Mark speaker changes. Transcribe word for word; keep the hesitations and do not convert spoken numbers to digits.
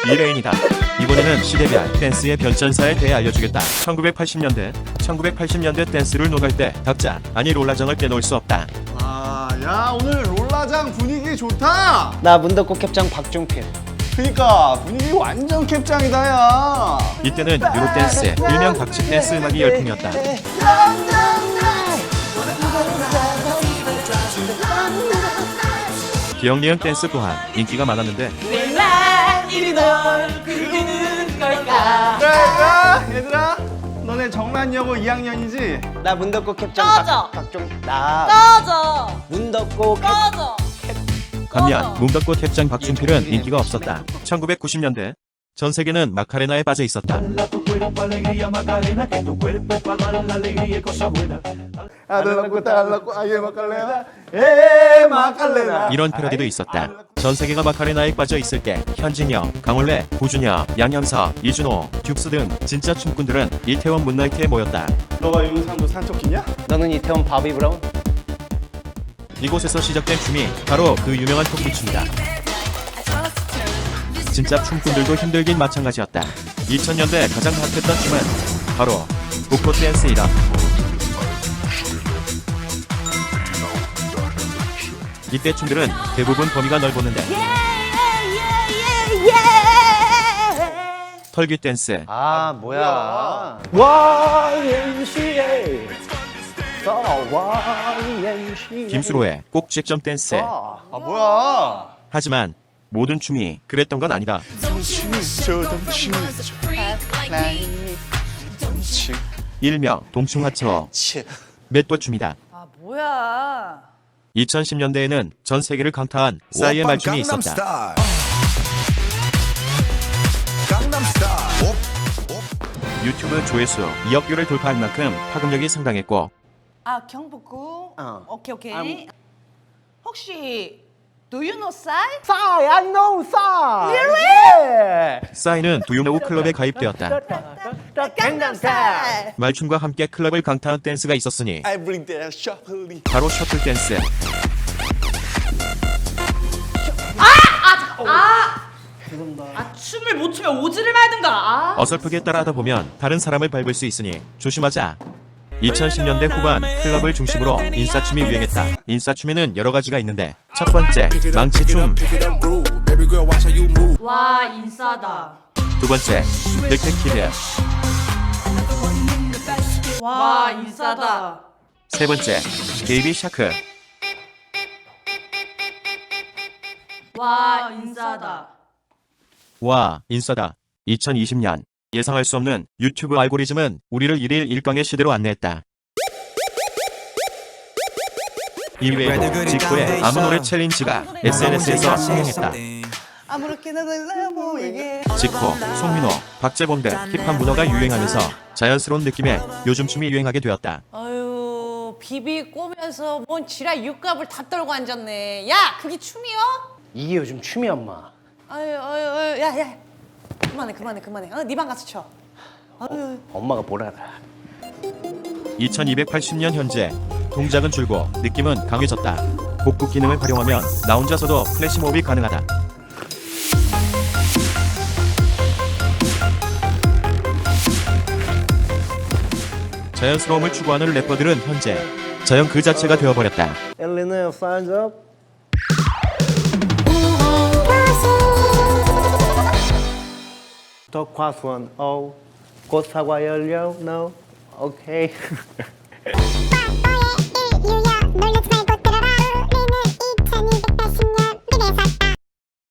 Speaker 1: 미레인이다. 이번에는 시대별 댄스의 변천사에 대해 알려주겠다. 천구백팔십 년대 천구백팔십 년대 댄스를 녹을 때 닭자 아니 롤라정을 빼놓을 수 없다.
Speaker 2: 아, 야 오늘 롤라장 분위기 좋다.
Speaker 3: 나 문덕고 캡장 박종필.
Speaker 2: 그니까 분위기 완전 캡장이다 야.
Speaker 1: 이때는 유로 댄스, 일명 박집 댄스 음악이 열풍이었다. 기억니은 댄스 또한 인기가 많았는데
Speaker 4: 왜 난 이리 널 부르는 걸까?
Speaker 2: 얘들아, 얘들아, 너네 정란여고 이 학년이지?
Speaker 3: 나 문덕고 캡장
Speaker 4: 꺼져.
Speaker 3: 박, 박종. 나
Speaker 4: 꺼져!
Speaker 3: 문덕고 캡.
Speaker 4: 꺼져!
Speaker 1: 반면 문덕고 탭장 박준필은 인기가 없었다. 천구백구십 년대 전 세계는 마카레나에 빠져 있었다.
Speaker 2: 아들라고 딸라고 아예 마칼레나, 에 마칼레나.
Speaker 1: 이런 패러디도 있었다. 전 세계가 마카레나에 빠져 있을 때 현진영, 강원래, 고준혁, 양현석, 이준호, 듀스 등 진짜 춤꾼들은 이태원 문나이트에 모였다.
Speaker 2: 너가 윤상도 산토끼냐?
Speaker 3: 너는 이태원 바비 브라운?
Speaker 1: 이곳에서 시작된 춤이 바로 그 유명한 토끼춤이다. 진짜 춤꾼들도 힘들긴 마찬가지였다. 이천 년대 가장 핫했던 춤은 바로 복고 댄스이다. 이때 춤들은 대부분 범위가 넓었는데 털귀 댄스,
Speaker 3: 아 뭐야? 와이엠씨에이. 와이엠씨에이.
Speaker 1: 김수로의 꼭지점 댄스.
Speaker 3: 아,
Speaker 2: 아 뭐야?
Speaker 1: 하지만 모든 춤이 그랬던 건 아니다. 일명 동충하초 맷도춤이다.
Speaker 4: 아 뭐야?
Speaker 1: 이천십 년대에는 전 세계를 강타한 싸이의 말춤이 있었다. 유튜브 조회수 이억 뷰를 돌파할 만큼 파급력이 상당했고
Speaker 4: 아 경복구?
Speaker 3: 어.
Speaker 4: 오케이 오케이.
Speaker 3: 음.
Speaker 4: 혹시 Do you know 싸이?
Speaker 3: 싸이, I know 싸이. Really?
Speaker 1: 싸이는 두유노우 클럽에 가입되었다.
Speaker 4: 강남스타일.
Speaker 1: 말춤과 함께 클럽을 강타한 댄스가 있었으니
Speaker 2: I bring that shuffling.
Speaker 1: 바로 셔틀 댄스.
Speaker 4: 아 춤을 못 추면 오지를 말든가. 아.
Speaker 1: 어설프게 따라하다 보면 다른 사람을 밟을 수 있으니 조심하자. 이천십 년대 후반 클럽을 중심으로 인싸춤이 유행했다. 인싸춤에는 여러 가지가 있는데 첫 번째 망치춤,
Speaker 4: 와 인싸다.
Speaker 1: 두 번째 넥테키드,
Speaker 4: 와 인싸다.
Speaker 1: 세 번째 베이비 샤크,
Speaker 4: 와 인싸다.
Speaker 1: 와 인싸다. 이천이십 년 예상할 수 없는 유튜브 알고리즘은 우리를 일일 일광의 시대로 안내했다. 이외에도 지코의 아무 노래 챌린지가 에스엔에스에서 흥행했다.
Speaker 4: 아무렇게나 달라 보이게.
Speaker 1: 지코, 송민호, 박재범 등 힙합 문화가 유행하면서 자연스러운 느낌의 요즘 춤이 유행하게 되었다.
Speaker 4: 아유 비비 꼬면서 뭔 지랄 육갑을 다 떨고 앉았네. 야 그게 춤이요?
Speaker 3: 이게 요즘 춤이야 엄마.
Speaker 4: 아유 아유 아유 야야 그만해 그만해 그만해. 어, 네 방 가서 쳐. 아유.
Speaker 3: 엄마가 뭘 알아.
Speaker 1: 이천이백팔십 년 현재 동작은 줄고 느낌은 강해졌다. 복구 기능을 활용하면 나 혼자서도 플래시몹이 가능하다. 자연스러움을 추구하는 래퍼들은 현재 자연 그 자체가 되어버렸다.
Speaker 3: 엘리는 fans up. 더 과수원 O 꽃 사과 열려 No. 오케이.